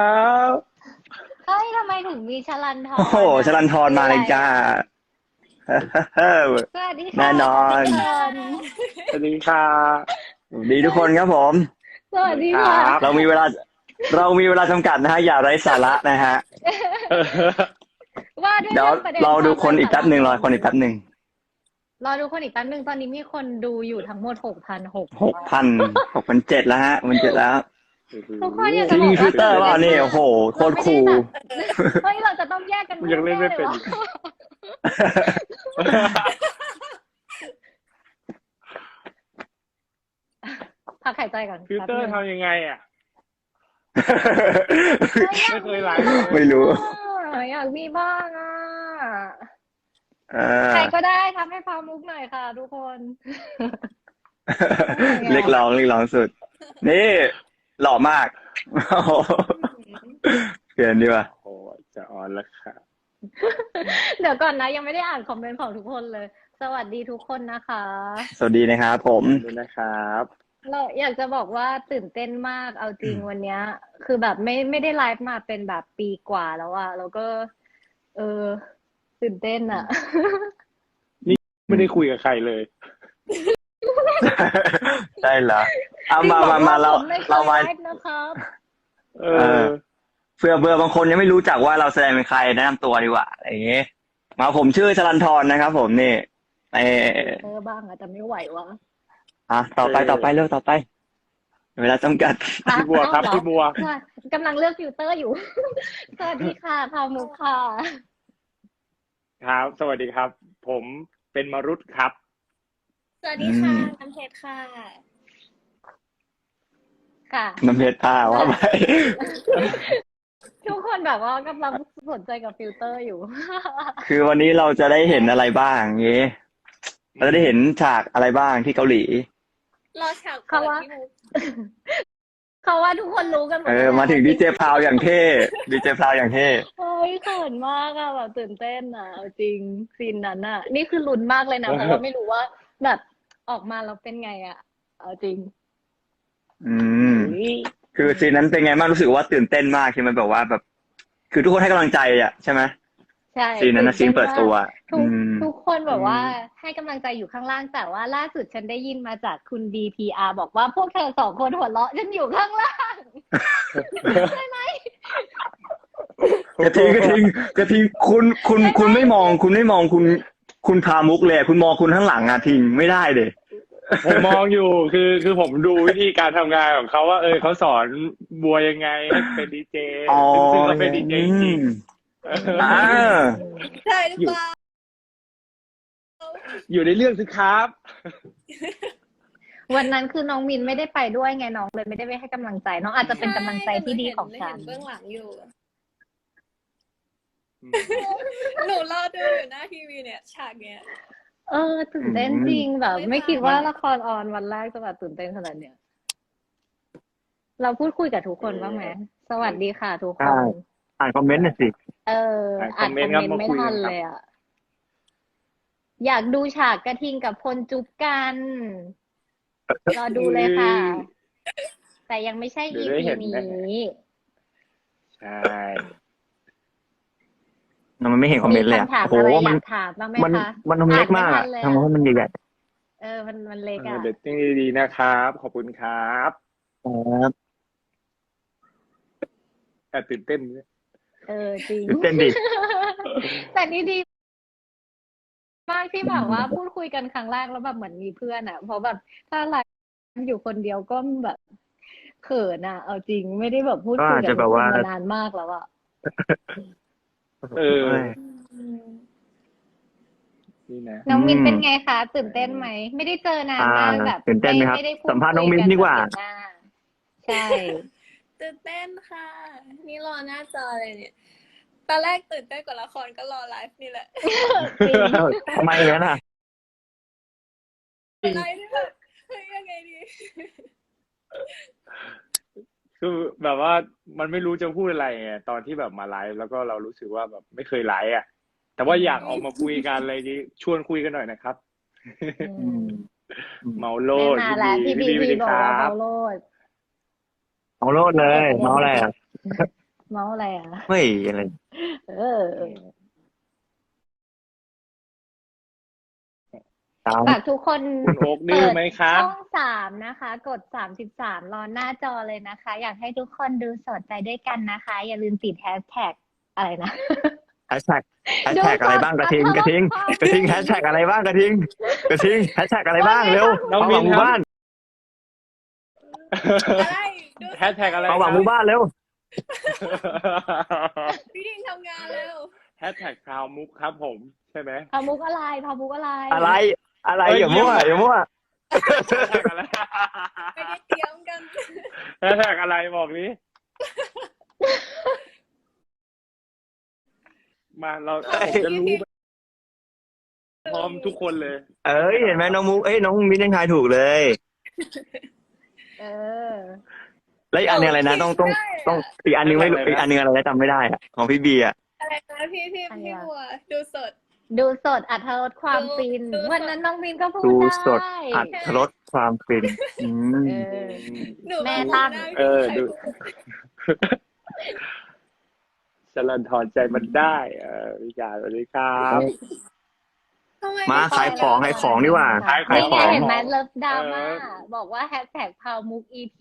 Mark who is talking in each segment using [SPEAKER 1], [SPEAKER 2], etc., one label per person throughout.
[SPEAKER 1] บ
[SPEAKER 2] เฮ้ยทำไมถึงมีชลันท
[SPEAKER 3] โอ้โห
[SPEAKER 2] รอ่ะ
[SPEAKER 3] ชลันทร
[SPEAKER 2] คืออะไร
[SPEAKER 3] มาเลยจ้า
[SPEAKER 2] อ่ะ สวัสดีค่ะ
[SPEAKER 3] แน่นอ
[SPEAKER 2] ทุก
[SPEAKER 3] น
[SPEAKER 2] คน
[SPEAKER 1] สวัสดีค่ะ
[SPEAKER 3] สวัสดีทุกคนครับผม
[SPEAKER 2] สวัสดี
[SPEAKER 1] ครั
[SPEAKER 2] ค่ะ
[SPEAKER 1] บ
[SPEAKER 3] เรามีเวลาเรามีเวลาจำกัดนะฮะอย่าไร้สาระนะฮะ
[SPEAKER 2] ว่าด้วย
[SPEAKER 3] เดี๋ยว
[SPEAKER 2] เรื่องประเด็น
[SPEAKER 3] เรา
[SPEAKER 2] ความไร้
[SPEAKER 3] ดูคนอีก
[SPEAKER 2] สา
[SPEAKER 3] แป๊บหนึ่งรอ
[SPEAKER 2] ระก่อน
[SPEAKER 3] คนอีกแป๊บหนึ่ง
[SPEAKER 2] รอดูคนอีกแป๊บนึงตอนนี้มีคนดูอยู่ทั้งหมด6,600
[SPEAKER 3] 6,700แล้วฮะ6,700แล้ว
[SPEAKER 2] ทุกคนอยากจะ
[SPEAKER 3] ที่
[SPEAKER 2] บอกว่า
[SPEAKER 3] มีฟิลเตอร์
[SPEAKER 2] ตื่น
[SPEAKER 3] เปล่า
[SPEAKER 2] เต้นมาก
[SPEAKER 3] นี่โอ้โหโค
[SPEAKER 2] เรา
[SPEAKER 3] ตรคูล
[SPEAKER 2] ไม่ได้แบบเฮ้ยเราจะต้องแยกกันพู
[SPEAKER 1] ยัง
[SPEAKER 2] ด
[SPEAKER 1] เล่น
[SPEAKER 2] แน่
[SPEAKER 1] ไม่
[SPEAKER 2] เลย
[SPEAKER 1] เป็น
[SPEAKER 2] ว่า
[SPEAKER 1] อีก
[SPEAKER 2] พักหายใจก่อน
[SPEAKER 1] ฟิล
[SPEAKER 2] แป๊บ
[SPEAKER 1] เตอร์
[SPEAKER 2] นึง
[SPEAKER 1] ทำยังไงอ่ะ
[SPEAKER 2] อยา
[SPEAKER 1] ไม่
[SPEAKER 2] ก
[SPEAKER 1] เค
[SPEAKER 2] มี
[SPEAKER 1] ยไลฟ์เลย
[SPEAKER 3] ไม่รู้
[SPEAKER 2] อยากมีบ้างอ่ะ
[SPEAKER 3] เออ
[SPEAKER 2] ใครก็ได้ทำให้พามุกหน่อยค่ะทุกคน
[SPEAKER 3] เรียกร้องสุด นี่หล่อมากโอ้โหเปลี่ยนดีกว่า
[SPEAKER 1] โอ้จะออนแล้วค่ะ
[SPEAKER 2] เดี๋ยวก่อนนะยังไม่ได้อ่านคอมเมนต์ของทุกคนเลย สวัสดีทุกคนนะคะ
[SPEAKER 3] สวัสดีนะครับผม
[SPEAKER 1] ดูนะครับ
[SPEAKER 2] เราอยากจะบอกว่าตื่นเต้นมากเอาจริงวันเนี้ย คือแบบไม่ได้ไลฟ์มาเป็นแบบปีกว่าแล้วอะแล้วก็ เออ ตื่นเต้นอะ
[SPEAKER 1] ไม่ได้คุยกับใครเลย
[SPEAKER 3] ใช่เหรอเอามา
[SPEAKER 2] จริงบอกว่า
[SPEAKER 3] เรา
[SPEAKER 2] ผมไม่เคย
[SPEAKER 3] เรามา
[SPEAKER 2] ไลฟ์นะครับ
[SPEAKER 1] เอ
[SPEAKER 3] เอ
[SPEAKER 1] อ
[SPEAKER 3] อ เผื่อบางคนยังไม่รู้จักว่าเราแสดงเป็นใครแนะนำตัวดีกว่าอะไรอย่างเงี้ยมาผมชื่อชลันทรนะครับผมนี่เออ
[SPEAKER 2] บ้างอะแต่ไม่ไหววะ
[SPEAKER 3] ต่อไปเร็วต่อไป เวลาจำกัด
[SPEAKER 1] พี่บัวครับ
[SPEAKER 2] อ้าเหอ
[SPEAKER 1] พี่บัว
[SPEAKER 2] ค่ะกำลังเลือกฟิลเตอร์อยู่ สวัสดีค่ะพามุกค่ะ
[SPEAKER 1] ครับ สวัสดีครับ ผมเป็นมรุตครับ
[SPEAKER 4] สวัสดีค่ะ
[SPEAKER 3] อืม
[SPEAKER 4] น้ำเพชรค่ะ
[SPEAKER 2] ค่ะ
[SPEAKER 3] น้ำเพชรผ้าว่าไป
[SPEAKER 2] ทุกคนแบบว่ากำลังสนใจกับฟิลเตอร์อยู่
[SPEAKER 3] คือวันนี้เราจะได้เห็นอะไรบ้างเงี้ยเราจะได้เห็นฉากอะไรบ้างที่เกาหลี
[SPEAKER 4] รอฉาก
[SPEAKER 2] เขา
[SPEAKER 4] เปิด
[SPEAKER 2] ว่า
[SPEAKER 4] พี่มุก
[SPEAKER 2] เขาว่าทุกคนรู้กันหมด
[SPEAKER 3] มา
[SPEAKER 2] แล้ว
[SPEAKER 3] ถึงดีเจพราวอย่างเท่ดีเจพราวอย่างเท่
[SPEAKER 2] เฮ้ยเขินมากอะแบบตื่นเต้นอะเอาจริงซีนนั้นอะนี่คือลุ้นมากเลยนะเพราะว่าไม่รู้ว่าแบบออกมาแล้วเป็นไงอะเอาจริง
[SPEAKER 3] อืม คือซีนนั้นเป็นไงบ้างรู้สึกว่าตื่นเต้นมากใช่ไหมแบบว่าแบบ คือทุกคนให้กำลังใจอ่ะใช่ไหม
[SPEAKER 2] ใช่
[SPEAKER 3] ซีนนั้นนะซีนเปิดตัว
[SPEAKER 2] ทุก
[SPEAKER 3] อืม
[SPEAKER 2] ทุกคนแบบว่าให้กำลังใจอยู่ข้างล่างแต่ว่าล่าสุดฉันได้ยินมาจากคุณ DPR บอกว่าพวกเธอสองคนหัวเราะฉันอยู่ข้างล่าง
[SPEAKER 3] กระทิงคุณไม่มองคุณพามุกเลยคุณมองคุณข้างหลังอ่ะทิงไม่ได้เลย
[SPEAKER 1] ผมมองอยู่คือผมดูวิธีการทำงานของเขาว่าเขาสอนบัวยังไงให้เป็นดีเจ
[SPEAKER 3] อ๋อ
[SPEAKER 1] ซึ่งเขาเป็นดีเจจริง
[SPEAKER 3] อ่า
[SPEAKER 4] ใช่หรือเปล่า
[SPEAKER 1] อยู่ในเรื่องสิครับ
[SPEAKER 2] วันนั้นคือน้องมินไม่ได้ไปด้วยไงน้องเลยไม่ได้ไปให้กำลังใจ น้องอาจจะเป็นกำลังใจที่ดีของฉัน
[SPEAKER 4] เห็นเบื้องหลังอยู่ หนูรอดูอยู่หน้าทีวีเนี่ย ฉากเนี้ย
[SPEAKER 2] ตื่นเต้นจริงแบบ ไม่คิดว่าละครออนวันแรกจะแบบตื่นเต้นขนาดเนี้ยเราพูดคุยกับทุกคนบ้างไหมสวัสดีค่ะทุกคน
[SPEAKER 3] อ่านคอมเมนต์หน่อยสิ
[SPEAKER 2] อ่านคอมเมนต์ไม่ทันเลยอ่ะ อยากดูฉากกระทิงกับพลจุ๊บกันรอดูเลยค่ะ แต่ยังไม่ใช่
[SPEAKER 1] เดี๋ยว
[SPEAKER 2] EP
[SPEAKER 1] ได้เห็น
[SPEAKER 2] นี้
[SPEAKER 1] แน่ ใช่
[SPEAKER 3] มันไม่เห็นคอมเมนต์เลย
[SPEAKER 2] มี
[SPEAKER 3] อ่ะ
[SPEAKER 2] คำถาม
[SPEAKER 3] โอ้
[SPEAKER 2] อะไร
[SPEAKER 3] โห
[SPEAKER 2] อ
[SPEAKER 3] มัน
[SPEAKER 2] ยากถามบ้างไหม
[SPEAKER 3] มัน
[SPEAKER 2] คะ
[SPEAKER 3] มันเล็กมากอ่ะ
[SPEAKER 2] อ่านไม่ทันเลย
[SPEAKER 3] ทำไมมันใหญ่
[SPEAKER 2] มันเล็กอ่ะ
[SPEAKER 1] เดตติ้งดีๆนะครับ ขอบคุณครับ
[SPEAKER 3] ๆครับ
[SPEAKER 1] แต่ตื่นเต้น
[SPEAKER 2] จริง
[SPEAKER 3] ตื่นเต้นดิ
[SPEAKER 2] แต่นี่ดีมากที่แบบว่าพูดคุยกันครั้งแรกแล้วแบบเหมือนมีเพื่อนอ่ะ เพราะแบบถ้าไลฟ์อยู่คนเดียวก็แบบเขินอ่ะ เอาจริงไม่ได้แบบพูดคุยกับทุกคนมานานมากแล้วอ่ะ
[SPEAKER 1] นี่นะ
[SPEAKER 2] น้องมินเป็นไงคะตื่นเต้นไหมไม่ได้เจอนานมากแบบ
[SPEAKER 3] ตื่นเต้นไหมครับ
[SPEAKER 2] ไม่ได้พูด
[SPEAKER 3] สัมภาษณ์น้องมิ้นดีกว่า
[SPEAKER 2] คุยนแบบเห็นหน้าใช่
[SPEAKER 4] ตื่นเต้นค่ะ นี่รอหน้าจอเลยเนี่ย ตอนแรกตื่นเต้นกว่าละครก็รอไลฟ์นี่แหละ
[SPEAKER 2] จริง
[SPEAKER 3] ทำไมอย่างนั้นอ่ะ
[SPEAKER 4] ไลฟ์นี่แบบเฮ้ยยังไงดี
[SPEAKER 1] คือแบบว่ามันไม่รู้จะพูดอะไรไงตอนที่แบบมาไลฟ์แล้วก็เรารู้สึกว่าแบบไม่เคยไลฟ์อ่ะ แต่ว่าอยากออกมาคุยกันอะไรนี้ชวนคุยกันหน่อยนะครับ
[SPEAKER 2] อืม
[SPEAKER 1] เมาโล
[SPEAKER 2] ไม่
[SPEAKER 1] ด
[SPEAKER 2] มาแล้วพี่บี
[SPEAKER 1] สวัสดี
[SPEAKER 2] บอก
[SPEAKER 1] ค
[SPEAKER 2] ว่า
[SPEAKER 1] รับ
[SPEAKER 2] เมาโลด
[SPEAKER 3] เอาโลดเลยเมาอะไรอ่ะ
[SPEAKER 2] เมาส์อะไรอ่ะ
[SPEAKER 3] เฮ้ยอะไร
[SPEAKER 2] เออ
[SPEAKER 3] ตาม
[SPEAKER 2] ฝากทุกคน
[SPEAKER 1] คุณโอ๊กดื้อไหมคะ
[SPEAKER 2] ช่อง3นะคะ กด33รอหน้าจอเลยนะคะ อยากให้ทุกคนดูสดไปด้วยกันนะคะ อย่าลืมติดแฮชแท็กอะไรนะ
[SPEAKER 3] แฮชแท็กอะไรบ้างกระทิงแฮชแท็กอะไรบ้างกระทิงแฮชแท็กอะไรบ้างเร็ว
[SPEAKER 1] น้อง
[SPEAKER 3] ความห
[SPEAKER 1] มิ้
[SPEAKER 3] วังหมู่
[SPEAKER 1] นครับ
[SPEAKER 3] บ้าน
[SPEAKER 4] อะไรดู
[SPEAKER 1] แฮชแท็กอะไร
[SPEAKER 3] ความหวังหมู่บ้านเร็ว
[SPEAKER 4] พี่ดิงทำงานแล้ว
[SPEAKER 1] แฮชแท็กพราวมุกครับผมใช่ไหม
[SPEAKER 2] พามุกอะไรพามุกอะไร
[SPEAKER 3] อะไร
[SPEAKER 1] เอ้ย
[SPEAKER 3] อย่ามั่ว
[SPEAKER 1] เยี่ยม
[SPEAKER 3] อย่ามั่ว
[SPEAKER 1] แฮชแท็กอะไร
[SPEAKER 4] ไม่ได้เตรียมกัน
[SPEAKER 1] แฮชแท็กอะไรบอกนี้ มาเราจะรู้พร้อมทุกคนเลย
[SPEAKER 3] เอ้ยเห็นไหมน้องมุกน้องมิ้นยังทายถูกเลย
[SPEAKER 2] เออ
[SPEAKER 3] แล้วอีกอันหนึงอะไรนะต้องอีกอันหนึงไม่รู้อีกอันหนึงอะไรนะจำไม่ได้อะของพี่บีอะ
[SPEAKER 4] อะไรนะพี่
[SPEAKER 2] อันเนี้
[SPEAKER 4] พี่
[SPEAKER 2] ย
[SPEAKER 4] บัวดูสด
[SPEAKER 2] ดูสดอรรถรสความฟิน
[SPEAKER 4] ดูสด
[SPEAKER 2] วันนั้นน้องมินก็พูด
[SPEAKER 3] ดู
[SPEAKER 2] ได้
[SPEAKER 3] สดอัดรสความฟินอืม
[SPEAKER 2] เออ
[SPEAKER 4] หนู
[SPEAKER 2] แม่
[SPEAKER 4] มา
[SPEAKER 2] ตั้ง
[SPEAKER 4] หน้า
[SPEAKER 1] เออ
[SPEAKER 4] พี่
[SPEAKER 1] ดู ชลันทรใจมันได้พี่การสวัสดีครับ
[SPEAKER 4] ทำไ
[SPEAKER 3] มาขายของดีกว่า
[SPEAKER 1] ขาย
[SPEAKER 2] นี่
[SPEAKER 1] ข
[SPEAKER 2] ไง
[SPEAKER 1] อง
[SPEAKER 2] เห็นไหมเลิฟดราม่า
[SPEAKER 1] เออ
[SPEAKER 2] บอกว่าแฮชแท็กพาวมุก EP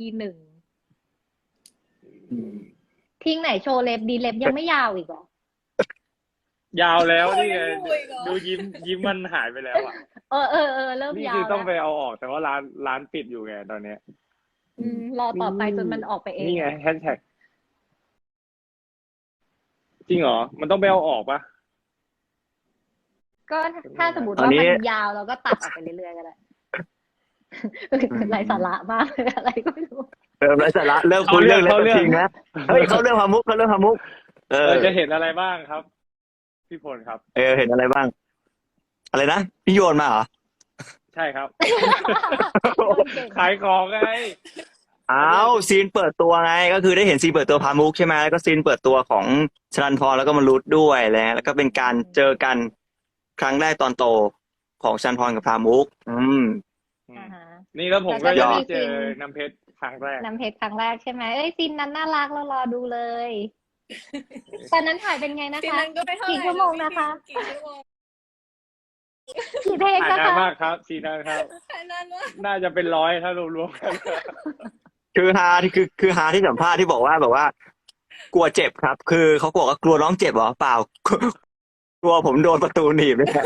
[SPEAKER 2] 1ทิ้งไหนโชว์เล็บดีเล็บยังไม่ยาวอีกเหรอ
[SPEAKER 1] ยาวแล้วนี่ไง
[SPEAKER 4] โอ้ยเหรอ
[SPEAKER 1] ดูยิ้มมันหายไปแล้วอ่ะ
[SPEAKER 2] เออเริ่ม
[SPEAKER 1] นี่
[SPEAKER 2] ยา
[SPEAKER 1] คื
[SPEAKER 2] ว
[SPEAKER 1] อต้องไป
[SPEAKER 2] แล้ว
[SPEAKER 1] เอาออกแต่ว่าร้านปิดอยู่ไงตอนเนี้ย
[SPEAKER 2] รอต่อไปจนมันออกไปเอง
[SPEAKER 1] นี่ไงแฮชแท็กจริงเหรอ มันต้องไปเอาออกปะ
[SPEAKER 2] ก็ถ้าสมมติ
[SPEAKER 3] ตอน
[SPEAKER 2] ว่า
[SPEAKER 3] นี้
[SPEAKER 2] มันยาวเราก็ตัดออกไปเรื่อยๆก็ได้ไร้สาระมากเลยอะไรก็ไม่รู้
[SPEAKER 3] เริ่มไร้สาระเริ่มคุยเรื่องเล่นกระทิงนะเฮ้ยเขาเรื่องความมุกเออ
[SPEAKER 1] จะเห็นอะไรบ้างครับ พี่พลครับ
[SPEAKER 3] เห็นอะไรบ้าง อะไรนะพี่โยนมาเหรอ
[SPEAKER 1] ใช่ครับ ขายของไง
[SPEAKER 3] อ้าวซีนเปิดตัวไงก็คือได้เห็นซีนเปิดตัวพามุกใช่ไหมแล้วก็ซีนเปิดตัวของชลันพรแล้วก็มรุดด้วยแล้วก็เป็นการเจอกันครั้งแรกตอนโตของชลันพรกับพามุก
[SPEAKER 2] อ่าฮะ
[SPEAKER 1] นี่แล้วผมก็
[SPEAKER 2] แล้วก็
[SPEAKER 1] ยัง
[SPEAKER 2] มี
[SPEAKER 1] ไม่เจ
[SPEAKER 2] ซี
[SPEAKER 1] อน น้ำเพชรครั้งแรก
[SPEAKER 2] น้ำเพชรครั้งแรกใช่ไหมเอ้ยซีนนั้นน่ารักเรารอดูเลยตอนนั้นถ่ายเป็นไงนะ
[SPEAKER 4] ที
[SPEAKER 2] คะ
[SPEAKER 4] นั้นก็ไม่เท่าไหร่
[SPEAKER 2] กี่ชั่วโมงนะคะ
[SPEAKER 4] กี่ชั่วโมง
[SPEAKER 2] กี่เพลง
[SPEAKER 1] ถ่าย
[SPEAKER 2] นะ
[SPEAKER 1] นาน
[SPEAKER 2] คะ
[SPEAKER 1] มากครับซีนนั้นครับ
[SPEAKER 4] แค่นั้นว่า
[SPEAKER 1] น่าจะเป็นร้อยถ้ารวมๆกัน
[SPEAKER 3] คือฮาที่คือฮาที่สัมภาษณ์ที่บอกว่าแบบว่า กลัวเจ็บครับ คือเขาบอกว่ากลัวน้องเจ็บเหรอเปล่า กลัวผมโดนประตูหนีบเลย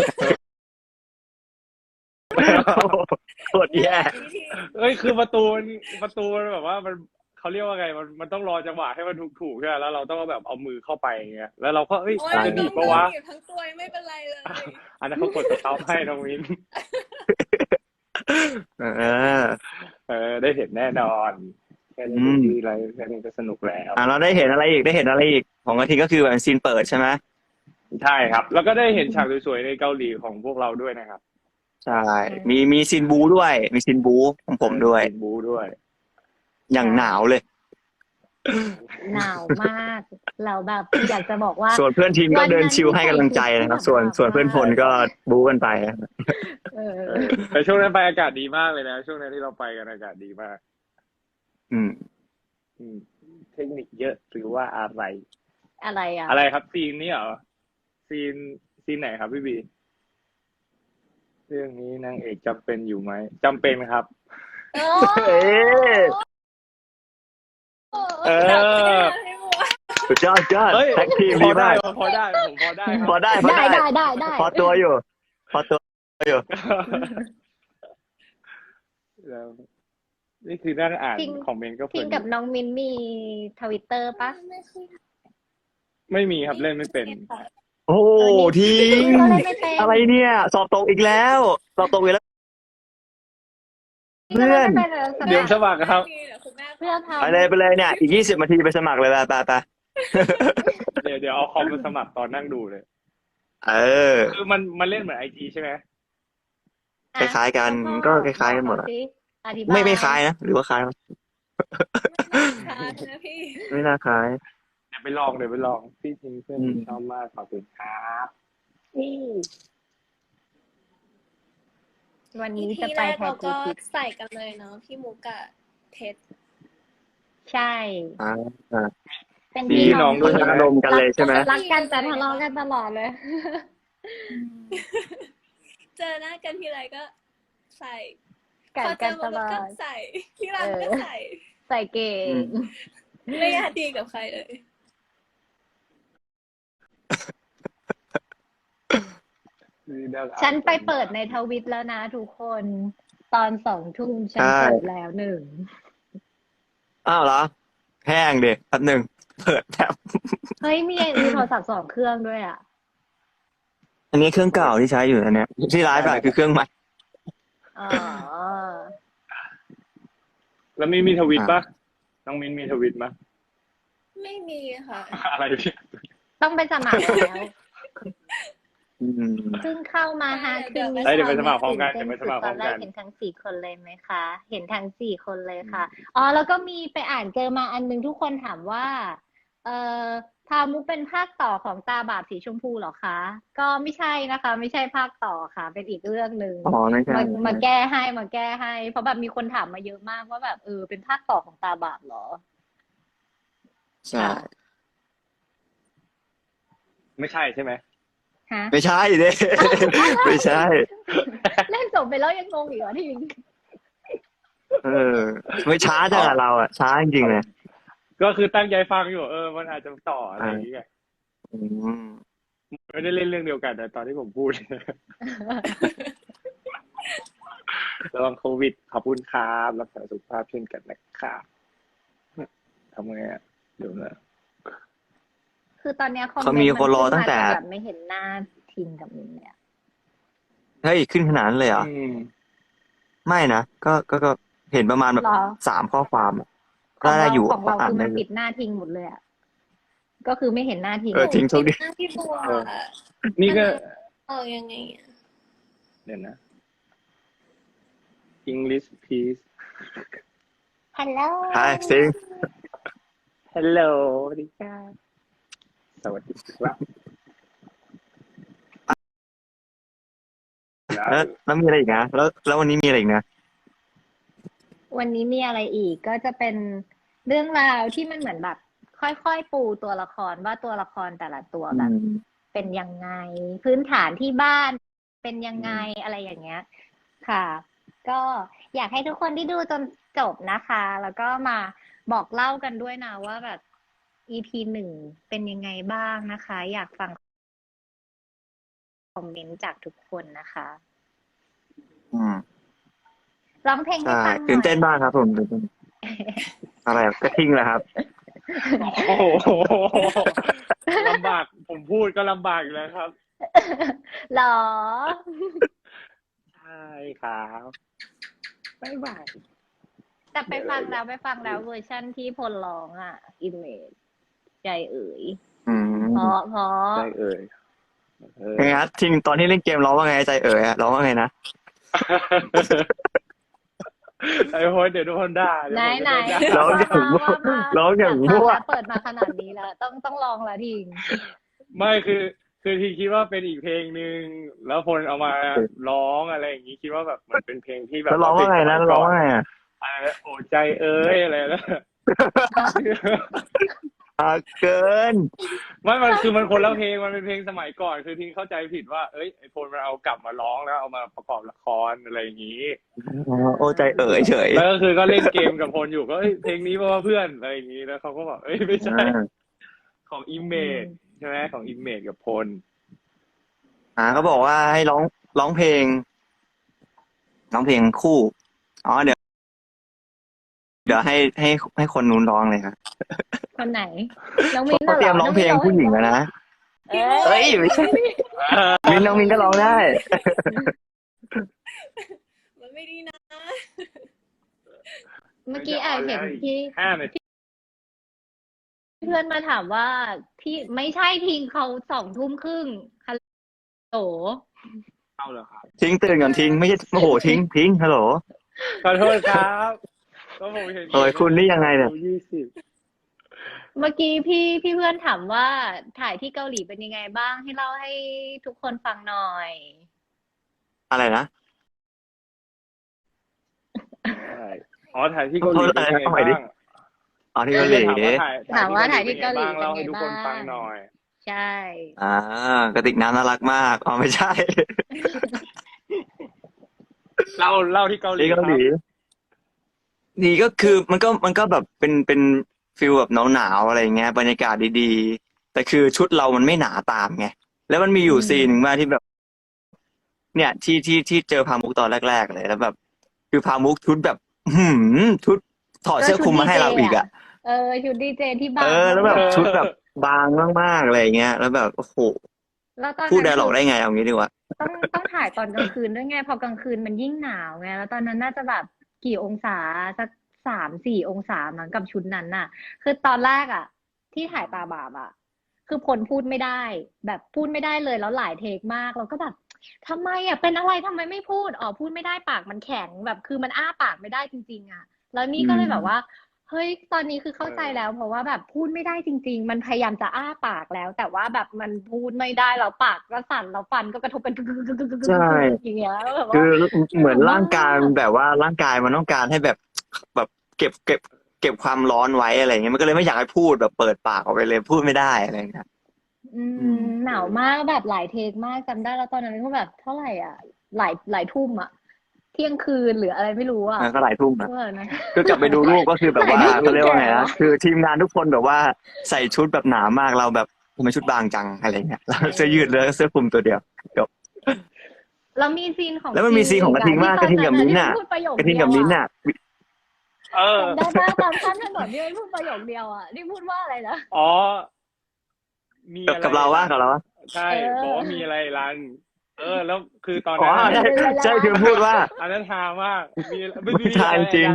[SPEAKER 3] โคตรแย่
[SPEAKER 1] เอ้ยคือประตูมันแบบว่ามันเขาเรียกว่าไงมันต้องรอจังหวะให้มันถูกใช่ไหมแล้วเราต้องแบบเอามือเข้าไปอย่างเงี้ยแล้วเราก็เอ้ย
[SPEAKER 4] โอ้ย
[SPEAKER 1] จะห
[SPEAKER 4] น้
[SPEAKER 1] นี
[SPEAKER 4] อบ ง
[SPEAKER 1] ปะวะ
[SPEAKER 4] หนีบทั้งตัวไม่เป็นไรเลย
[SPEAKER 1] อันนั้นเขากดสเตาร์ให้น้องวิน ได้เห็นแน่นอนแค่นี้ก็ดีอะไรแค่นี้ก็สนุกแล้ว
[SPEAKER 3] เราได้เห็นอะไรอีกของกระทิงก็คือแบบซีนเปิดใช่ไหม
[SPEAKER 1] ใช่ครับ แล้วก็ได้เห็นฉากสวยๆในเกาหลีของพวกเราด้วยนะครับ
[SPEAKER 3] ใช่มีซีนบูด้วยมีซีนบูของผมด้วย
[SPEAKER 1] ซีนบูด้วย
[SPEAKER 3] อย่างหนาวเลย
[SPEAKER 2] หนาวมากเราแบบอยากจะบอกว่า
[SPEAKER 3] ส่วนเพื่อนทีมก็เดินชิลให้กำลังใจนะครับ ส่วนเพื่อนพลก็บู๊กันไปนะ
[SPEAKER 2] เออ
[SPEAKER 1] แต่ช่วงนั้นไปอากาศดีมากเลยนะ ช่วงนั้นที่เราไปกันอากาศดีมาก
[SPEAKER 3] อืม
[SPEAKER 1] เทคนิคเยอะหรือว่าอะไร
[SPEAKER 2] อะไรอ่ะ
[SPEAKER 1] อะไรครับซีนนี้เหรอซีนไหนครับพี่บีเรื่องนี้นางเอกจำเป็นอยู่ไหมจำเป็นครับ
[SPEAKER 2] โอ้
[SPEAKER 3] เอ๊ะ
[SPEAKER 1] เออ
[SPEAKER 3] สุดยอด
[SPEAKER 1] เฮ้ย
[SPEAKER 3] แท็กทีม
[SPEAKER 1] พ
[SPEAKER 3] ดี
[SPEAKER 1] อได้
[SPEAKER 3] มาก
[SPEAKER 1] ผมพอได้ครับ
[SPEAKER 3] พอได้
[SPEAKER 2] ได้
[SPEAKER 3] พอตัวอยู่พอตัวอยู่
[SPEAKER 1] แล้วนี่คือนั่งอ่าน
[SPEAKER 2] จริง
[SPEAKER 1] คอมเมนต์ก็เพลิ
[SPEAKER 2] พิง
[SPEAKER 1] น
[SPEAKER 2] กับน้องมินมีTwitter ปะ
[SPEAKER 1] ไม่มีครับเล่นไม่เป็น
[SPEAKER 3] โอ้โหทีม
[SPEAKER 2] ก็เล่นไม่เป็น
[SPEAKER 3] อะไรเนี่ย สอบตกอีกแล้วเพื่อน
[SPEAKER 2] ก็ล่นไม่เป็น
[SPEAKER 1] เดี๋ยวสมัครครับ
[SPEAKER 2] เพื่อนทำ
[SPEAKER 3] ไปเลยเนี่ยอีก20 นาทีไปสมัครเลยไป
[SPEAKER 1] เดี๋ยวเอาคอมมาสมัครตอนนั่งดูเลย
[SPEAKER 3] เออ
[SPEAKER 1] คือมันเล่นเหมือนIG ใช่ไหม
[SPEAKER 3] คล้ายๆกันก็คล้ายๆกันหมดอะ
[SPEAKER 2] อธิบาย
[SPEAKER 3] ไม่คล้ายนะหรือว่าคล้าย
[SPEAKER 4] นะพี่
[SPEAKER 3] ไม่น่าคล้าย
[SPEAKER 1] เดี๋ยวไปลองพี่จริงเพื่อนชอบมากขอบคุณครับ
[SPEAKER 2] วันนี้
[SPEAKER 4] ที่
[SPEAKER 2] จะ
[SPEAKER 4] แร
[SPEAKER 2] ไป
[SPEAKER 4] ก
[SPEAKER 2] แท
[SPEAKER 4] เรา
[SPEAKER 2] น
[SPEAKER 4] ก็
[SPEAKER 2] กู
[SPEAKER 4] ใส่กันเลยเนาะพี่มุกกับเพชร
[SPEAKER 2] ใช่
[SPEAKER 3] อ่า
[SPEAKER 2] เป็น
[SPEAKER 1] พี่
[SPEAKER 2] พี่
[SPEAKER 1] น้
[SPEAKER 2] น้
[SPEAKER 1] อ
[SPEAKER 2] อง ง
[SPEAKER 1] ด้วย
[SPEAKER 3] พ
[SPEAKER 1] ใช่ไหม
[SPEAKER 3] อารมณ์กันเลยใช่ไหม
[SPEAKER 2] รักกันแต่ทะเลาะกันตลอดเลย
[SPEAKER 4] เจอหน้ากันทีไรก็ใส่
[SPEAKER 2] กั
[SPEAKER 4] พ
[SPEAKER 2] น
[SPEAKER 4] อเจ
[SPEAKER 2] กัน
[SPEAKER 4] อ
[SPEAKER 2] ต
[SPEAKER 4] มา
[SPEAKER 2] ล
[SPEAKER 4] ก็
[SPEAKER 2] อด
[SPEAKER 4] ใส่ที่รักก็ใส่
[SPEAKER 2] ใส่เก่
[SPEAKER 3] อื
[SPEAKER 2] ง
[SPEAKER 3] ม
[SPEAKER 4] ไม่อยากดีกับใครเลย
[SPEAKER 2] ฉันไปเปิดในทวิตแล้วนะทุกคน ตอน2 ทุ่มฉัน
[SPEAKER 3] ใช่
[SPEAKER 2] เปิดแล้วหนึ่ง
[SPEAKER 3] อ้าวเหรอแห้งเด็กแป๊บหนึ่งเปิดแท็บ
[SPEAKER 2] เฮ้ยมีโทรศัพท์2 เครื่องด้วยอ่ะ
[SPEAKER 3] อันนี้เครื่องเก่าที่ใช้อยู่อันเนี้ยที่ไลฟ์อะคือเครื่องใหม่
[SPEAKER 2] อ๋อ
[SPEAKER 1] แล้วมีทวิตปะน้องมินมีทวิตปะ
[SPEAKER 4] ไม่มีค่ะ
[SPEAKER 1] อะไรพี่
[SPEAKER 2] ต้องไปสมัครแล้ว
[SPEAKER 3] อืม
[SPEAKER 2] เพิ่งเข้ามาฮะ
[SPEAKER 4] เดี๋ยว
[SPEAKER 2] คืน
[SPEAKER 4] ไป
[SPEAKER 2] นี้
[SPEAKER 1] เดี๋ยวไปสมัครพร้อมกัน
[SPEAKER 2] ตื่
[SPEAKER 1] เดี๋ยวไป
[SPEAKER 2] เต้
[SPEAKER 1] สมัครพ
[SPEAKER 2] ต
[SPEAKER 1] ร้
[SPEAKER 2] อ
[SPEAKER 1] อน ม
[SPEAKER 2] แร
[SPEAKER 1] กั
[SPEAKER 2] ก
[SPEAKER 1] น
[SPEAKER 2] เห็นทั้ง4 คนเลยไหมคะ เห็นทั้ง4 คนเลยค่ะ อ๋อ แล้วก็มีไปอ่านเจอมาอันนึงทุกคนถามว่า เอ่อพามุกเป็นภาคต่อของตาบาปสีชมพูเหรอคะ ก็ไม่ใช่นะคะ ไม่ใช่ภาคต่อค่ะ เป็นอีกเรื่องหนึ่ง
[SPEAKER 3] อ๋อไม่ใช่
[SPEAKER 2] มาแก้ให้ เพราะแบบมีคนถามมาเยอะมากว่าแบบเป็นภาคต่อของตาบาปเหรอ
[SPEAKER 3] ใช่
[SPEAKER 1] ไม่ใช่ใช่ไหม
[SPEAKER 2] ฮะ
[SPEAKER 3] ไม่ใช่เด้ ไม่ใช่
[SPEAKER 2] เล่นจบไปแล้วยังงงอีกเหรอที่
[SPEAKER 3] เออ ไม่ช้าจังอะเราอะช้าจริงๆเลย
[SPEAKER 1] ก็คือตั้งใจฟังอยู่มันอาจจะต่ออะไรอย่างเงี้ย
[SPEAKER 3] อืม
[SPEAKER 1] ไม่ได้เล่นเรื่องเดียวกันแต่ตอนที่ผมพูด ระวังโควิดขอบคุณครับรักษาสุขภาพเช่นกันนะครับทำไงอ่ะเดี๋ยวนะ
[SPEAKER 2] คือตอนเนี้ยคอม
[SPEAKER 3] เขา
[SPEAKER 2] เมน
[SPEAKER 3] มี
[SPEAKER 2] ต์
[SPEAKER 3] คนรอตั้งแต่
[SPEAKER 2] แบบไม่เห็นหน้าทิงกับมินเนี่ย
[SPEAKER 3] เฮ้ยขึ้นขนาดนั้นเลยเหรอ ไม่นะก็เห็นประมาณแบบ
[SPEAKER 2] หรอ
[SPEAKER 3] 3 ข้อความอะ
[SPEAKER 2] ของ
[SPEAKER 3] ได้
[SPEAKER 2] เรา
[SPEAKER 3] อยู่
[SPEAKER 2] ของเรา
[SPEAKER 3] อ่าน
[SPEAKER 2] คือ
[SPEAKER 3] ได้
[SPEAKER 2] มัน
[SPEAKER 3] อยู่
[SPEAKER 2] ปิดหน้าทิงหมดเลยอ่ะ ก็คือไม่เห็นหน้าทิง
[SPEAKER 3] จริงโชคดี
[SPEAKER 4] หน้าพี่บัว
[SPEAKER 1] นี่ก็
[SPEAKER 4] ยังไงอะ
[SPEAKER 1] เดี๋ยวนะ English please
[SPEAKER 2] ฮัลโหล
[SPEAKER 3] ใช่ซิง
[SPEAKER 1] Hello สวัสดีครับสวัสดีครับ
[SPEAKER 3] แล้วมีอะไรอีกนะแล้ววันนี้มีอะไรอีกนะ
[SPEAKER 2] วันนี้มีอะไรอีกก็จะเป็นเรื่องราวที่มันเหมือนแบบ ค่อยๆปูตัวละครว่าตัวละครแต่ละตัวแบบ เป็นยังไง พื้นฐานที่บ้านเป็นยังไงอะไรอย่างเงี้ย ค่ะ ก็อยากให้ทุกคนที่ดูจนจบนะคะ แล้วก็มาบอกเล่ากันด้วยนะว่าแบบ EP 1เป็นยังไงบ้างนะคะ อยากฟังคอมเมนต์จากทุกคนนะคะ
[SPEAKER 3] อืม
[SPEAKER 2] ร้องเพลงให้
[SPEAKER 3] ใช่
[SPEAKER 2] ฟังหน่อย
[SPEAKER 3] ตื่นเต้นมากครับผมตื่นเต้นอะไรอะกระทิงเหรอครับ
[SPEAKER 1] โอ้โหลำบากผมพูดก็ลำบากอยู่แล้วครับ
[SPEAKER 2] หรอ
[SPEAKER 1] ใช่ครับบ๊ายบาย
[SPEAKER 2] แต่ไปฟังแล้วเวอร์ชั่นที่พลร้องอ่ะ อิมเมจใจเอ๋ย
[SPEAKER 3] อืม
[SPEAKER 2] เพราะ
[SPEAKER 1] ใช่เอ่ย
[SPEAKER 3] ยังไงครับทิงตอนที่เล่นเกมร้องว่าไงใจเอ๋ยอะร้องว่าไงนะ
[SPEAKER 1] ไอ้โหเดี๋ยวโดนด่าเดี๋ยวผม
[SPEAKER 2] ไหน
[SPEAKER 1] จะโดนด่า
[SPEAKER 3] ร้องอย่างมั่ว
[SPEAKER 2] เปิดมาขนาดนี้แล้ว ต้องลองละทิง
[SPEAKER 1] ไม่คือทีคิดว่าเป็นอีกเพลงหนึ่งแล้วพลเอามาร้องอะไรอย่างนี้คิดว่าแบบมันเป็นเพลงที่แบบ
[SPEAKER 3] แล้วร้องว่าไงนะร้องว่าไงอะ
[SPEAKER 1] อะไรโอ้ใจเอ้ยอะไรนะ
[SPEAKER 3] เกิน
[SPEAKER 1] ไม่มันคือมันคนละเพลงมันเป็นเพลงสมัยก่อนคือทีเข้าใจผิดว่าเอ้ยไอพลมันเอากลับมาร้องแล้วเอามาประกอบละครอะไรอย่างนี้
[SPEAKER 3] โอ้ใจเอ๋ยเฉย
[SPEAKER 1] แล้วก็คือก็เล่นเกมกับพลอยู่ก็เอ้ยเพลงนี้เพราะว่าเพื่อนอะไรอย่างนี้แล้วเขาก็บอกเอ้ยไม่ใช่ของอิมเมจใช่ไหมของอิมเมจกับพล
[SPEAKER 3] ก็บอกว่าให้ร้องเพลงคู่อ๋อเดี๋ยวให้คนนู้นร้องเลยครับ
[SPEAKER 2] คนไหน น้องมิ้น
[SPEAKER 3] เขาเตรียมร้องเพลงผู้หญิงแล้วนะ
[SPEAKER 2] เอ้
[SPEAKER 3] เอ้
[SPEAKER 2] ย
[SPEAKER 3] ยไม่ใช่น้องมินก็ร้องได้
[SPEAKER 4] มันไม่ดีนะ
[SPEAKER 2] เมื่อกี้เห็นที่
[SPEAKER 1] 5 นาที
[SPEAKER 2] เพื่อนมาถามว่าที่ไม่ใช่ทิงเขา20:30ฮัลโหล
[SPEAKER 1] เอาเหรอครับ
[SPEAKER 3] ทิ้งตื่นก่อนทิ้งไม่ใช่โอ้โหทิ้งฮัลโหล
[SPEAKER 1] ขอโทษครับก็ผมเห็น
[SPEAKER 3] โอ้ยคุณนี่ยังไงเนี่ย
[SPEAKER 1] 20
[SPEAKER 2] เมื่อกี้พี่เพื่อนถามว่าถ่ายที่เกาหลีเป็นยังไงบ้างให้เล่าให้ทุกคนฟังหน่อย
[SPEAKER 3] อะไรนะ
[SPEAKER 1] ใช่อ๋อถ่ายที่เกาหลีเป็นยังไง
[SPEAKER 3] เอาใหม่ดิ
[SPEAKER 1] บ้าง
[SPEAKER 3] อ๋อที่เกาหลี
[SPEAKER 1] ถามว่าถ่าย
[SPEAKER 2] ถามว่าถ่ายที่
[SPEAKER 1] ที่
[SPEAKER 2] เกา
[SPEAKER 1] เกา
[SPEAKER 2] ห
[SPEAKER 1] ห
[SPEAKER 2] ลี
[SPEAKER 1] ลีเป็นไงบ้างเล่า
[SPEAKER 2] เป็นไง
[SPEAKER 1] ให้ทุกคน
[SPEAKER 2] บ้าง
[SPEAKER 1] ฟังหน่อย
[SPEAKER 2] ใช่
[SPEAKER 3] กระติกน้ำน่ารักมากอ๋อไม่ใช่
[SPEAKER 1] เล่าที่เกาหลี
[SPEAKER 3] ที่
[SPEAKER 1] ค
[SPEAKER 3] เกา
[SPEAKER 1] รั
[SPEAKER 3] หลี
[SPEAKER 1] บ
[SPEAKER 3] นี่ก็คือมันก็แบบเป็นฟิลแบบหนาวๆอะไรเงี้ยบรรยากาศดีๆแต่คือชุดเรามันไม่หนาตามไงแล้วมันมีอยู่ซีนหนึ่งมาที่แบบ เนี่ยที่เจอพามุกตอนแรกๆเลยแล้วแบบ คือพามุกชุดแบบ ชุดถอด
[SPEAKER 2] ก็
[SPEAKER 3] เสื้อ
[SPEAKER 2] ชุ
[SPEAKER 3] คลุ
[SPEAKER 2] ด
[SPEAKER 3] ม
[SPEAKER 2] ดี
[SPEAKER 3] มาให้
[SPEAKER 2] เจ
[SPEAKER 3] เราอีก
[SPEAKER 2] อ่ะ
[SPEAKER 3] อ่ะ
[SPEAKER 2] ชุดดีเจที่
[SPEAKER 3] เอบ
[SPEAKER 2] าง
[SPEAKER 3] แล้วแบบ
[SPEAKER 2] มาก
[SPEAKER 3] ชุดแบบบางมากๆอะไรเงี้ย แล้วแบบโอ้โห
[SPEAKER 2] ๆแล้วตอน
[SPEAKER 3] พูด
[SPEAKER 2] นั้น
[SPEAKER 3] ไดร์
[SPEAKER 2] คื
[SPEAKER 3] ล็อ
[SPEAKER 2] อ
[SPEAKER 3] กได้ไงเอางี้ดีกว่า
[SPEAKER 2] ต้องถ่ายตอนกลางคืนด้วยไงพอกลางคืนมันยิ่งหนาวไงแล้วตอนนั้นน่าจะแบบกี่องศาสัก3-4 องศามั้งกับชุดนั้นน่ะ คือตอนแรกอ่ะ ที่ถ่ายตาบาปอ่ะ คือพลพูดไม่ได้ แบบพูดไม่ได้เลยแล้วหลายเทคมากเราก็แบบทำไมอ่ะเป็นอะไรทำไมไม่พูดอ๋อพูดไม่ได้ปากมันแข็งแบบคือมันอ้าปากไม่ได้จริงๆอ่ะ แล้วนี่ก็เลยแบบว่า เฮ้ยตอนนี้คือเข้าใจแล้ว เพราะว่าแบบพูดไม่ได้จริง ๆ มันพยายามจะอ้าปากแล้ว แต่ว่าแบบมันพูดไม่ได้แล้วปากก็สั่นแล้วฟันก็กระทบกันกึกกึกกึกกึกกึกกึก
[SPEAKER 3] ใช่
[SPEAKER 2] อย่างเงี้ยแล้วแบบ
[SPEAKER 3] คื
[SPEAKER 2] ว่า
[SPEAKER 3] อเหมือน
[SPEAKER 2] หนาว
[SPEAKER 3] ร่างกาย
[SPEAKER 2] มาก
[SPEAKER 3] มันแบบว่าร่างกายมันต้องการให้แบบเก็บความร้อนไว้อะไรเงี้ยมันก็เลยไม่อยากให้พูดแบบเปิดปากออกไปเลยพูดไม่ได้อะไรเงี้ย
[SPEAKER 2] หนาวมากแบบหลายเทคมากจำได้แล้วตอนนั้นก็แบบเท่าไหร่อ่ะหลายทุ่มอ่ะเที่ยงคืนหรืออะไรไม่รู้อ่ะ
[SPEAKER 3] ก็หลายทุ่มนะ
[SPEAKER 2] เมื่อนะ
[SPEAKER 3] คือกลับไปดูรูปก็คือแบบว่า
[SPEAKER 2] หลายทุ่ม
[SPEAKER 3] เขาเรียกว่าไง
[SPEAKER 2] แก่
[SPEAKER 3] นะ
[SPEAKER 2] วะ
[SPEAKER 3] คือทีมงานทุกคนแบบว่าใส่ชุดแบบหนามากเราแบบทำไมชุดบางจังอะไรเงี้ยแล้วเสื้อยืดแล้วเสื้อคลุมตัวเดียวจบ
[SPEAKER 2] แล้วมีซีนของ
[SPEAKER 3] แล้วมันมีซีนของกระทิงมากกระทิงกับมิ้นท์
[SPEAKER 2] ที่
[SPEAKER 3] น่ะ
[SPEAKER 2] พูดประโยค
[SPEAKER 3] กระทิง
[SPEAKER 2] เดีย
[SPEAKER 3] กับ
[SPEAKER 2] ว
[SPEAKER 3] มิ้นท์
[SPEAKER 2] อ่ะ
[SPEAKER 3] น่ะ
[SPEAKER 2] จำได้ปะตามข้ามถนนที่มันพูดประโยคเดียวอ่ะนี่พูดว่าอะไรนะ
[SPEAKER 1] อ๋อ มี
[SPEAKER 3] กับ
[SPEAKER 1] อะไร
[SPEAKER 3] กับเราว่ากับเราว่า
[SPEAKER 1] ใช่ บอกว่ามีอะไรรัน แล้วคือตอน
[SPEAKER 3] อ๋อ
[SPEAKER 1] นั้น
[SPEAKER 3] ใช่ใช่คือพูดว่า
[SPEAKER 1] อันนั้นฮามากไม่มี
[SPEAKER 3] ทางจริง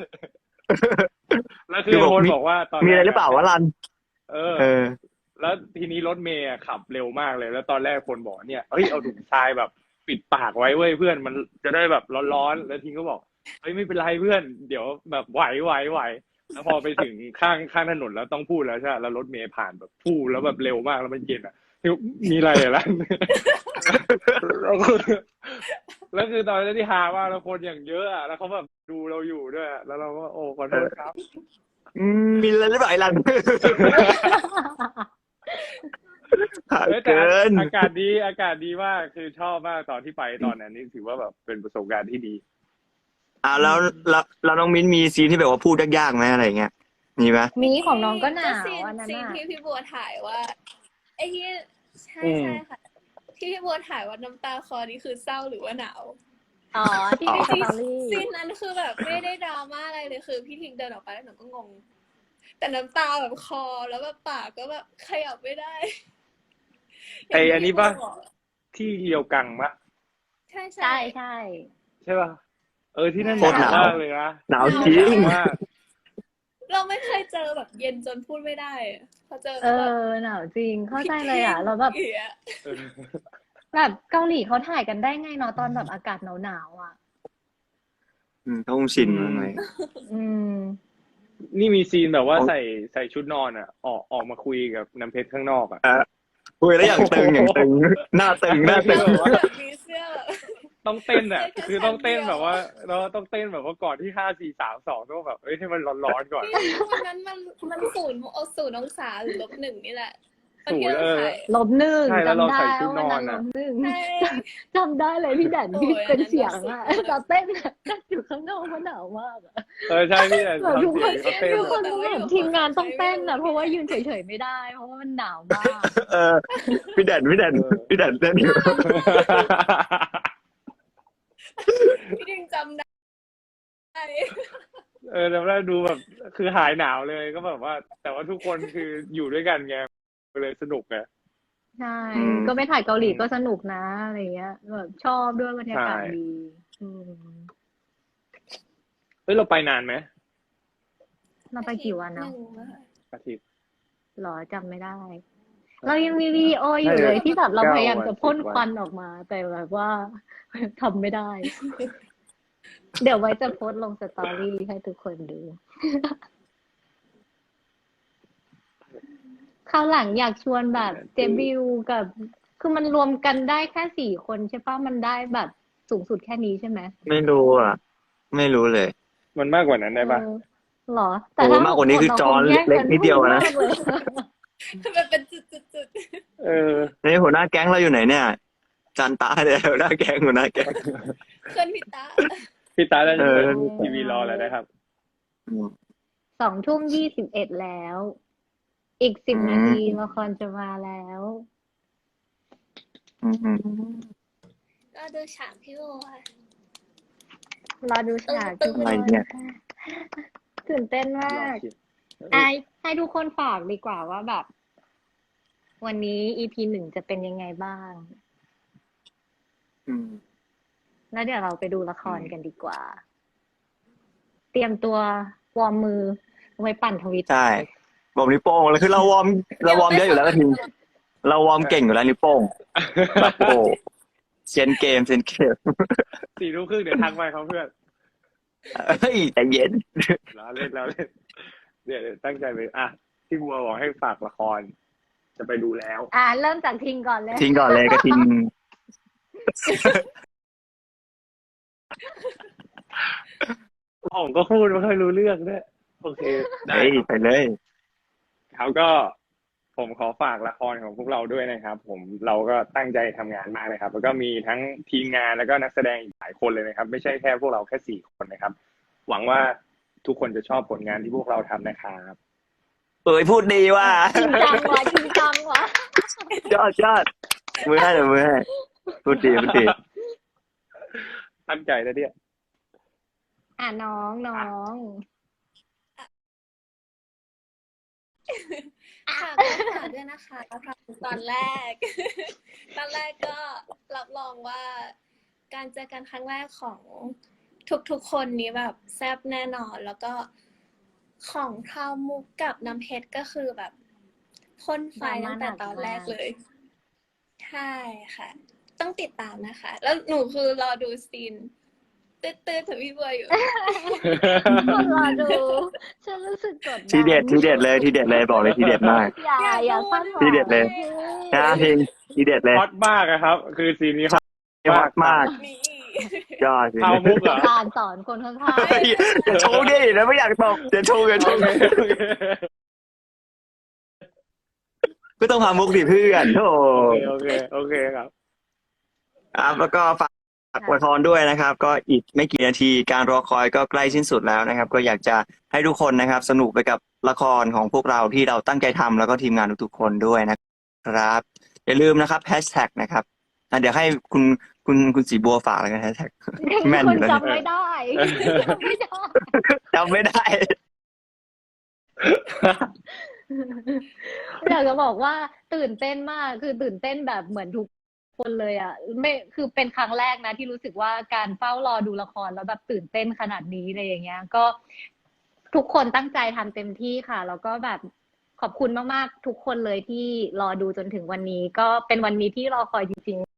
[SPEAKER 1] แล้วคือ
[SPEAKER 3] คือบอก
[SPEAKER 1] คน
[SPEAKER 3] มี
[SPEAKER 1] บอกว่าตอน
[SPEAKER 3] มีอะไรหรือเปล่าวะรัน
[SPEAKER 1] เออ
[SPEAKER 3] เออ
[SPEAKER 1] แล้วทีนี้รถเมย์อะขับเร็วมากเลย แล้วตอนแรกคนบอกเนี่ยเฮ้ยเอาถุงทรายแบบ ปิดปากไว้เว้ยเพื่อนมันจะได้แบบร้อนๆแล้วทีก็บอกเฮ้ยไม่เป็นไรเพื่อน เดี๋ยวแบบไหวแล้วพอไปถึงข้างถนนแล้วต้องพูดแล้วใช่ไหมแล้วรถเมย์ผ่านแบบพูดแล้วแบบเร็วมากแล้วมันเย็นอ่ะมีอะไรอ่ะล่ะ แล้วคือตอนนั้นที่ฮามากแล้วคนอย่างเยอะอ่ะแล้วเขาแบบดูเราอยู่ด้วยอะแล้วเราก็โอ้ขอโทษครับ
[SPEAKER 3] มีอะไรหรือเปล่าไอ้รัน
[SPEAKER 1] เฮ้ยแต่
[SPEAKER 3] เกิน
[SPEAKER 1] อากาศดีมากคือชอบมากตอนที่ไปตอนนั้นนี่ถือว่าแบบเป็นประสบการณ์ที่ดี
[SPEAKER 3] แล้วน้องมิ้นมีซีนที่แบบว่าพูดยากๆไหมอะไรเงี้ยมีไหม
[SPEAKER 2] มีของน้องก็หนาว
[SPEAKER 4] ซีน
[SPEAKER 2] อันนั้น
[SPEAKER 4] ซีน
[SPEAKER 2] อ่ะ
[SPEAKER 4] ที่พี่บัวถ่ายว่าไอ้ที่ใช่
[SPEAKER 1] อืม
[SPEAKER 4] ใช่ค่ะ ที่พี่บัวถ่ายว่าน้ำตาคลอนี่คือเศร้าหรือว่าหนาว
[SPEAKER 2] อ๋อที่ในสตอรี่
[SPEAKER 4] ซีนนั้นคือแบบไม่ได้ดราม่าอะไรเลยคือพี่ทิงเดินออกไปแล้วหนูก็งง แต่น้ำตาแบบคอแล้วแบบปากก็แบบขยับไม่ได้
[SPEAKER 1] ไอ้อันนี้ปะ
[SPEAKER 4] ย่างที่พี่บัวบอก
[SPEAKER 1] ที่เรียวกังปะ
[SPEAKER 4] ใช่
[SPEAKER 2] ใช่ใช่
[SPEAKER 1] ใช่ปะที่นั่น
[SPEAKER 3] โคตรหนาว
[SPEAKER 1] มากเลยนะ
[SPEAKER 3] หนาวจริง
[SPEAKER 1] มาก
[SPEAKER 4] เราไม่เคยเจอแบบเย็นจนพูดไม่ได้อะพอเจอ
[SPEAKER 2] เอ
[SPEAKER 4] แบบ
[SPEAKER 2] อหนาวจริงเข้าใจเลยอ่ะแล้วแบบ
[SPEAKER 4] เหี้ย
[SPEAKER 1] เออ
[SPEAKER 2] แบบเกาหลีเขาถ่ายกันได้ไงเนาะตอนแบบอากาศหนาวๆอ่ะ
[SPEAKER 3] เขาคงชินมั้งเลย
[SPEAKER 2] อืม
[SPEAKER 1] นี่มีซีนแบบว่า
[SPEAKER 3] อ๋อ
[SPEAKER 1] ใส่ชุดนอนอ่ะ ออกมาคุยกับน้ำเพชรข้างนอกอ่ะ
[SPEAKER 3] คุยแล้วอย่างตึงหน้าตึง
[SPEAKER 4] แบบมีเสื้อแบบ
[SPEAKER 1] ต้องเต้นอ่ะ
[SPEAKER 4] ใช่แค่
[SPEAKER 1] คือต้องเต้น
[SPEAKER 4] ชั้นเดียว
[SPEAKER 1] แบบว่าเราต้องเต้นแบบว่าก่อนที่5 4 3 2ต้องแบบให้มันร้อนๆก่อน
[SPEAKER 4] พี่วันนั้นมัน0 องศาหรือ-1นี่แหละวันที่
[SPEAKER 1] ศูนย์
[SPEAKER 4] เราถ่าย
[SPEAKER 2] -1
[SPEAKER 1] ใช่แล้วเรา
[SPEAKER 2] จำได้
[SPEAKER 1] ใส่ชุด
[SPEAKER 2] ว่าน
[SPEAKER 1] อ
[SPEAKER 2] วัน น
[SPEAKER 1] อะ
[SPEAKER 2] นั้น-1
[SPEAKER 4] ใช่
[SPEAKER 2] จำได้เลยพี่แดนที่
[SPEAKER 4] โอ้ย
[SPEAKER 2] เป็น
[SPEAKER 4] อันนั้น
[SPEAKER 2] เสียง
[SPEAKER 4] สุด
[SPEAKER 2] อ่ะ
[SPEAKER 4] ๆเลย
[SPEAKER 2] ตอนเต้นอะเต้นอยู่ข้างนอกเพราะหนาวมากอะ
[SPEAKER 1] ใช่พี่แต่
[SPEAKER 2] แบบทุกคน
[SPEAKER 1] ทำเสียงเขาเต้น
[SPEAKER 2] ทุกคน
[SPEAKER 4] แต่ว่า
[SPEAKER 2] แบบ
[SPEAKER 4] อยู่
[SPEAKER 2] ทีมงานต้องเต้น
[SPEAKER 4] ใช้
[SPEAKER 2] อะ
[SPEAKER 4] ไม่ได้
[SPEAKER 2] เพราะว่ายืนเฉยๆไม่ได้ เพราะว่ามันหนาวมาก
[SPEAKER 3] พี่แดนเต้นอยู่
[SPEAKER 4] พี่ดิงจำได้
[SPEAKER 1] แต่ว่าดูแบบคือหายหนาวเลยก็แบบว่า แต่ว่าทุกคนคืออยู่ด้วยกันไงเลยสนุกไง
[SPEAKER 2] ใช่
[SPEAKER 3] อืม
[SPEAKER 2] ก็ไปถ่ายเกาหลีก็สนุกนะอะไรเงี้ยแบบชอบด้วยบรรยากาศ
[SPEAKER 1] ใช่
[SPEAKER 2] ดีอืม
[SPEAKER 1] เราไปนานไหม
[SPEAKER 2] เราไปกี่วันเนาะ
[SPEAKER 4] หงอะค่ะ
[SPEAKER 1] อาทิตย์
[SPEAKER 2] หรอจำไม่ได้ เรายังมีวิดีโออยู่เลยที่แบบเราพยายามจะพ่นควันออกมา แต่แบบว่า ทำไม่ได้ เดี๋ยวไว้จะโพสต์ลงสตอรี่ให้ทุกคนดู คราวหลังอยากชวนแบบเจบิวกับ คือมันรวมกันได้แค่4 คนใช่ปะมันได้แบบสูงสุดแค่นี้ใช่ไหม
[SPEAKER 3] ไม่รู้อ่ะ ไม่รู้เลย
[SPEAKER 1] มันมากกว่านั้นได้ปะ
[SPEAKER 2] เออเหรอ แต่ถ้า
[SPEAKER 3] โอ้มากกว่านี้คือจอ
[SPEAKER 2] เราคงแย่ง
[SPEAKER 3] เล็กนิดเดียวนะ
[SPEAKER 2] มากเลย
[SPEAKER 4] มันเป็นจุด
[SPEAKER 1] เออ
[SPEAKER 3] นี่หัวหน้าแก๊งเราอยู่ไหนเนี่ย จันตาเนี่ยหัวหน้าแก๊งหัวหน้าแก๊ง
[SPEAKER 4] ๆเพื่อนพี่ตา
[SPEAKER 1] พี่ตาได้
[SPEAKER 3] เออ
[SPEAKER 1] เปิดทีวีรอแล้วนะครับ
[SPEAKER 2] 2:21แล้ว อีก10 นาทีละครจะมาแล้ว
[SPEAKER 3] อืม
[SPEAKER 4] ก็ดูฉากพี่โบค่ะ
[SPEAKER 2] รอดูฉากทุก
[SPEAKER 3] อะไร
[SPEAKER 2] คน
[SPEAKER 3] เนี่ย
[SPEAKER 2] ตื่นเต้นมากให้ทุกคนฝากดีกว่าว่าแบบ วันนี้ EP 1จะเป็นยังไงบ้าง
[SPEAKER 3] อืม
[SPEAKER 2] แล้วเดี๋ยวเราไปดูละครกันดีกว่า เตรียมตัววอร์มมือไว้ปั่นทวิต
[SPEAKER 3] ใช่บอกนิ้วโป้งแล้วคือเราวอร์มเยอะอยู่แล้วก็ทีเราวอร์มเก่งอยู่แล้วนิ้วโป้งแบบโอ้เซียนเกม
[SPEAKER 1] 4 ทุ่มครึ่งเดี๋ยวทักไปเขาเพื่อน
[SPEAKER 3] เฮ้ยใจเย็น
[SPEAKER 1] แล้วเล่นเดี๋ยวตั้งใจไปพี่บัวบอกให้ฝากละคร จะไปดูแล้ว
[SPEAKER 2] เริ่มจากทิงก่อนเลย
[SPEAKER 3] ทิ้งก่อนเลยก็ทิ้ง
[SPEAKER 1] ผมก็พูดไม่ค่อยรู้เรื่องด้วยโอเคได้
[SPEAKER 3] เฮ้ย
[SPEAKER 1] ครับ
[SPEAKER 3] ไปเลย
[SPEAKER 1] เขาก็ผมขอฝากละครของพวกเราด้วยนะครับ เราก็ตั้งใจทำงานมากเลยครับ แล้วก็มีทั้งทีมงานแล้วก็นักแสดงอีกหลายคนเลยนะครับ ไม่ใช่แค่พวกเราแค่4 คนนะครับ หวังว่าทุกคนจะชอบผลงานที่พวกเราทำนะครับ
[SPEAKER 3] เอ้ยพูดดีว่า
[SPEAKER 2] จริงจังวะจริงจังวะ
[SPEAKER 3] ยอดมือให้เดี๋ยวมือให้พูดดี
[SPEAKER 1] ตั้งใจนะเนี่ย
[SPEAKER 2] น้อง
[SPEAKER 4] ค่ะก็ฝากด้วยนะคะตอนแรก ตอนแรกก็รับรองว่า การเจอกันครั้งแรกของทุกๆคนนี้แบบแซ่บแน่นอน แล้วก็ของพราวมุกกับน้ำเพชรก็คือแบบพ่นไฟตั้งแต่ตอนแรกเลย ใช่ค่ะ ต้องติดตามนะคะ แล้วหนูคือรอดูซีนตื้อๆถึงพี่บัวอยู่
[SPEAKER 2] คนรอดู ฉันรู้สึกกดดัน
[SPEAKER 3] ทีเด็ดเลยบอกเลยทีเด็ดมาก
[SPEAKER 2] อย่าคาดหวัง
[SPEAKER 3] ทีเด็ดเลย นะพิงทีเด็ดเลย
[SPEAKER 1] ฮอตมากอะครับ คือซีนนี้ฮอต
[SPEAKER 3] ฮอตมาก
[SPEAKER 4] นี่
[SPEAKER 3] ยอด
[SPEAKER 1] เข้ามุกเหรอ
[SPEAKER 2] การสอนคนข้าง
[SPEAKER 3] เฮ้ยอย่าโชว์ดิแล้วไม่อยากตอบอย่าโชว์
[SPEAKER 1] โอเคโอเค
[SPEAKER 3] ก็ต้องพามุกดิเพื่อนโธ่
[SPEAKER 1] โอเคครับ
[SPEAKER 3] ครับแล้วก็ฝากละครด้วยนะครับ ก็อีกไม่กี่นาทีการรอคอยก็ใกล้สิ้นสุดแล้วนะครับ ก็อยากจะให้ทุกคนนะครับ สนุกไปกับละครของพวกเราที่เราตั้งใจทำแล้วก็ทีมงานทุกๆคนด้วยนะครับ อย่าลืมนะครับแฮชแท็กนะครับเดี๋ยวให้คุณสีบัวฝากอะไรกันแฮชแท็ก
[SPEAKER 2] ๆ
[SPEAKER 3] แม่น
[SPEAKER 2] ค
[SPEAKER 3] อน ยู่แล้ว
[SPEAKER 2] จำไม่ได้จำไม่ได้
[SPEAKER 3] จำไม่ได้
[SPEAKER 2] อยากจะบอกว่าตื่นเต้นมากคือตื่นเต้นแบบเหมือนทุกคนเลยอ่ะไม่คือเป็นครั้งแรกนะที่รู้สึกว่าการเฝ้ารอดูละครแล้วแบบตื่นเต้นขนาดนี้เลยอย่างเงี้ย ก็ทุกคนตั้งใจทำเต็มที่ค่ะ แล้วก็แบบขอบคุณมากๆทุกคนเลยที่รอดูจนถึงวันนี้ ก็เป็นวันนี้ที่รอคอยจริงๆ